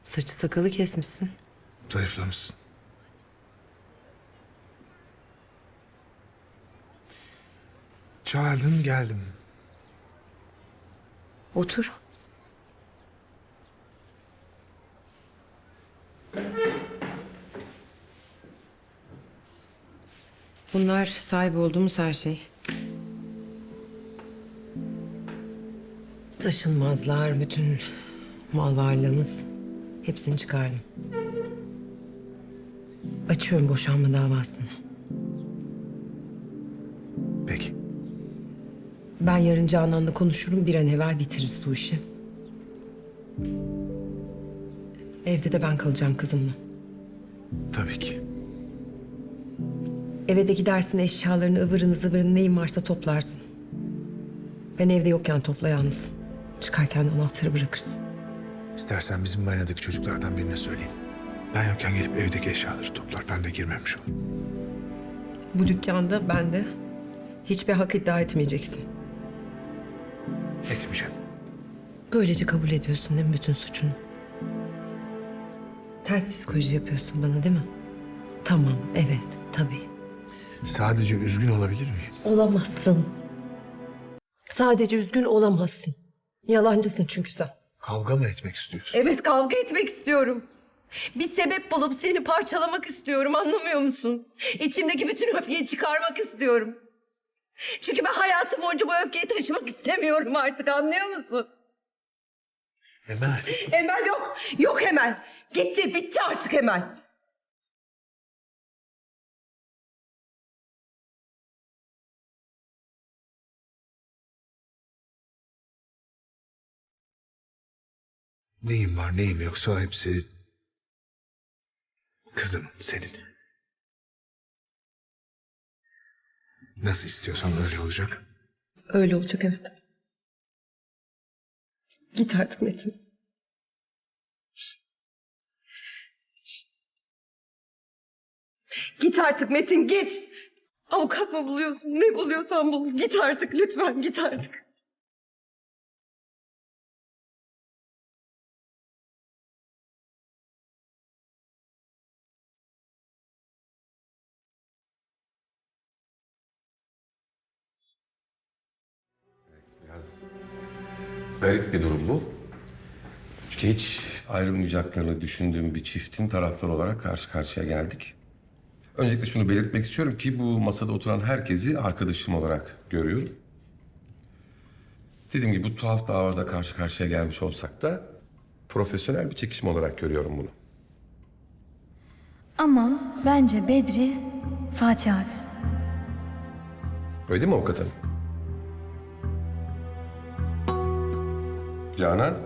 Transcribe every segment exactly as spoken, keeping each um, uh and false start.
Saçı sakalı kesmişsin. Zayıflamışsın. Çağırdın geldim. Otur. Bunlar sahip olduğumuz her şey. Taşınmazlar, bütün mal varlığımız. Hepsini çıkardım. Açıyorum boşanma davasını. Peki. Ben yarın Canan'la konuşurum. Bir an evvel bitiririz bu işi. Evde de ben kalacağım kızımla. Tabii ki. Eve de gidersin, eşyalarını, ıvırını zıvırını neyin varsa toplarsın. Ben evde yokken topla yalnız. Çıkarken de anahtarı bırakırsın. İstersen bizim marinadaki çocuklardan birine söyleyeyim. Ben yokken gelip evdeki eşyaları toplar. Ben de girmemiş olurum. Bu dükkanda ben de hiçbir hak iddia etmeyeceksin. Etmeyeceğim. Böylece kabul ediyorsun değil mi bütün suçunu? Ters psikoloji yapıyorsun bana değil mi? Tamam, evet, tabii. Sadece üzgün olabilir miyim? Olamazsın. Sadece üzgün olamazsın. Yalancısın çünkü sen. Kavga mı etmek istiyorsun? Evet, kavga etmek istiyorum. Bir sebep bulup seni parçalamak istiyorum, anlamıyor musun? İçimdeki bütün öfkeyi çıkarmak istiyorum. Çünkü ben hayatım boyunca bu öfkeyi taşımak istemiyorum artık, anlıyor musun? Emel. Emel yok, yok Emel. Gitti, bitti artık Emel. Neyim var neyim yoksa hepsi kızımın, senin. Nasıl istiyorsan öyle olacak. Öyle olacak, evet. Git artık Metin. Git artık Metin, git. Avukat mı buluyorsun? Ne buluyorsan bul. Git artık lütfen, git artık. Biraz garip bir durum bu. Çünkü hiç ayrılmayacaklarını düşündüğüm bir çiftin tarafları olarak karşı karşıya geldik. Öncelikle şunu belirtmek istiyorum ki bu masada oturan herkesi arkadaşım olarak görüyorum. Dediğim gibi bu tuhaf davada karşı karşıya gelmiş olsak da profesyonel bir çekişme olarak görüyorum bunu. Ama bence Bedri Fatih abi. Öyle değil mi avukat hanım? Canan?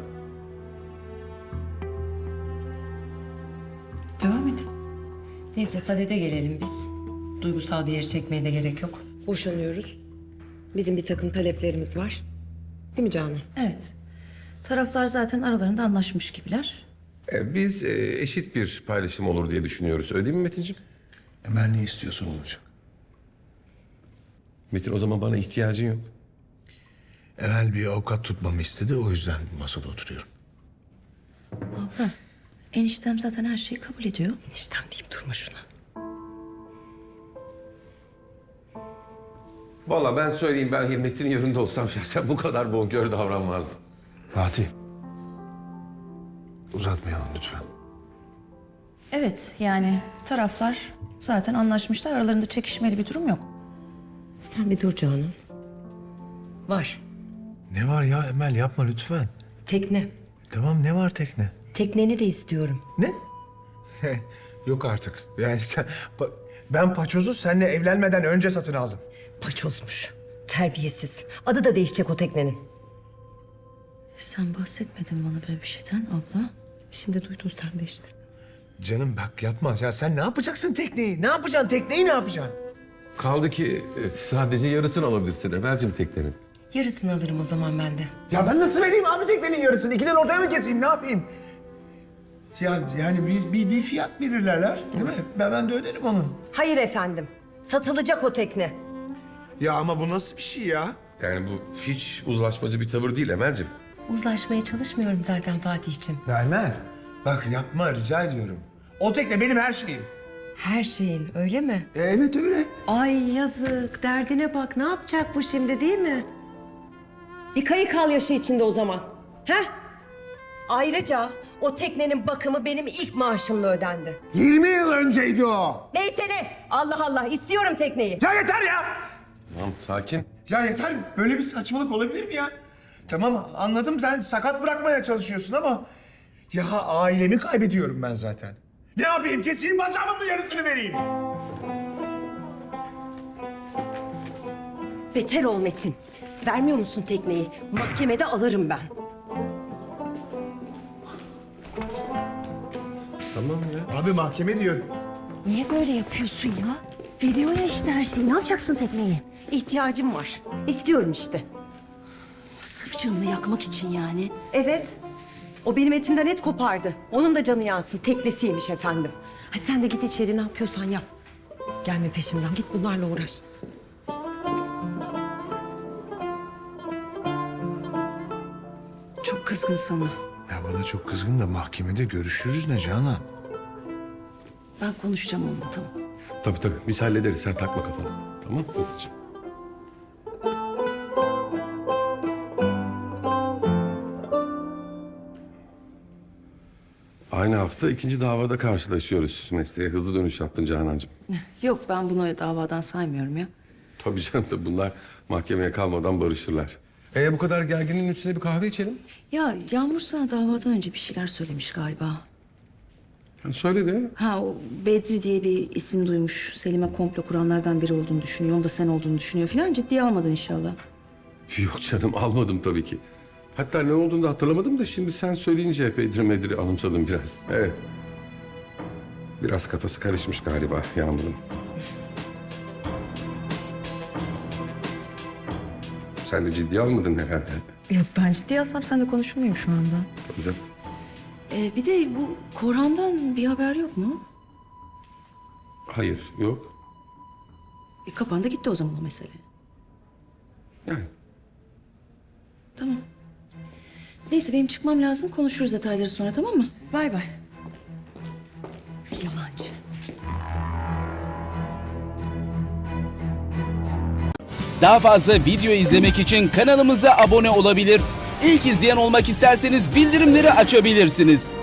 Devam edin. Neyse Sadet'e gelelim biz. Duygusal bir yere çekmeye de gerek yok. Boşanıyoruz. Bizim bir takım taleplerimiz var. Değil mi Canan? Evet. Taraflar zaten aralarında anlaşmış gibiler. E, biz e, eşit bir paylaşım olur diye düşünüyoruz. Öyle değil mi Metin'ciğim? Emel ne istiyorsa olacak. Metin o zaman bana ihtiyacın yok. Emel bir avukat tutmamı istedi. O yüzden bu masada oturuyorum. Abla, eniştem zaten her şeyi kabul ediyor. Eniştem deyip durma şuna. Vallahi ben söyleyeyim, ben Hürmet'in yerinde olsam şahsen bu kadar bonkör davranmazdım. Fatih. Uzatmayalım lütfen. Evet, yani taraflar zaten anlaşmışlar. Aralarında çekişmeli bir durum yok. Sen bir dur Canan. Var. Ne var ya Emel, yapma lütfen. Tekne. Tamam, ne var tekne? Tekneni de istiyorum. Ne? Yok artık. Yani sen... pa- Ben paçozu seninle evlenmeden önce satın aldım. Paçozmuş. Terbiyesiz. Adı da değişecek o teknenin. Sen bahsetmedin bana böyle bir şeyden abla. Şimdi duydun sen de işte. Canım bak yapma. Ya sen ne yapacaksın tekneyi? Ne yapacaksın? Tekneyi ne yapacaksın? Kaldı ki e, sadece yarısını alabilirsin Emel'cim teknenin. Yarısını alırım o zaman ben de. Ya ben nasıl vereyim abi teknenin yarısını? İkiden ortaya mı keseyim? Ne yapayım? Ya yani bir, bir, bir fiyat belirlerler değil mi? Ben, ben de öderim onu. Hayır efendim. Satılacak o tekne. Ya ama bu nasıl bir şey ya? Yani bu hiç uzlaşmacı bir tavır değil Emel'cim. Uzlaşmaya çalışmıyorum zaten Fatih'ciğim. Ya Emel, Bak yapma rica ediyorum. O tekne benim her şeyim. Her şeyin öyle mi? E, evet öyle. Ay yazık, derdine bak. Ne yapacak bu şimdi değil mi? Bir kayık al yaşı içinde o zaman. He? Ayrıca o teknenin bakımı benim ilk maaşımla ödendi. yirmi yıl önceydi o. Neyse ne? Allah Allah, istiyorum tekneyi. Ya yeter ya. Tamam sakin. Ya yeter. Böyle bir saçmalık olabilir mi ya? Tamam anladım sen sakat bırakmaya çalışıyorsun ama... Ya ailemi kaybediyorum ben zaten. Ne yapayım? Keseyim bacağımın da yarısını vereyim. Beter ol Metin. Vermiyor musun tekneyi? Mahkemede alırım ben. Tamam ya. Abi mahkeme diyor. Niye böyle yapıyorsun ya? Veriyor ya işte her şeyi. Ne yapacaksın tekneyi? İhtiyacım var. İstiyorum işte. Sırf canını yakmak için yani. Evet. O benim etimden et kopardı. Onun da canı yansın. Teknesiymiş efendim. Hadi sen de git içeri ne yapıyorsan yap. Gelme peşimden. Git bunlarla uğraş. Çok kızgın sana. Ya bana çok kızgın da mahkemede görüşürüz ne Canan? Ben konuşacağım onunla, tamam. Tabii tabii biz hallederiz sen takma kafana. Tamam Metin'ciğim. Aynı hafta ikinci davada karşılaşıyoruz. Mesleğe hızlı dönüş yaptın Canancığım. Yok, ben bunu öyle davadan saymıyorum ya. Tabii canım da bunlar mahkemeye kalmadan barışırlar. Ee bu kadar gerginin üstüne bir kahve içelim. Ya Yağmur sana davadan önce bir şeyler söylemiş galiba. Yani söyle de. Ha, o Bedri diye bir isim duymuş. Selim'e komplo kuranlardan biri olduğunu düşünüyor. Onu da sen olduğunu düşünüyor falan. Ciddiye almadın inşallah. Yok canım almadım tabii ki. Hatta ne olduğunu da hatırlamadım da şimdi sen söyleyince Bedri Medri anımsadım biraz. Evet. Biraz kafası karışmış galiba Yağmur'un. Sen de ciddiye almadın herhalde. Yok, ben ciddiye alsam sen de konuşur muyum şu anda? Tabii canım. Ee, bir de bu Korhan'dan bir haber yok mu? Hayır, yok. E, kapandı gitti o zaman o mesele. Yani Tamam. Neyse benim çıkmam lazım. Konuşuruz detayları sonra, tamam mı? Bay bay. Yalancı. Daha fazla video izlemek için kanalımıza abone olabilir. İlk izleyen olmak isterseniz bildirimleri açabilirsiniz.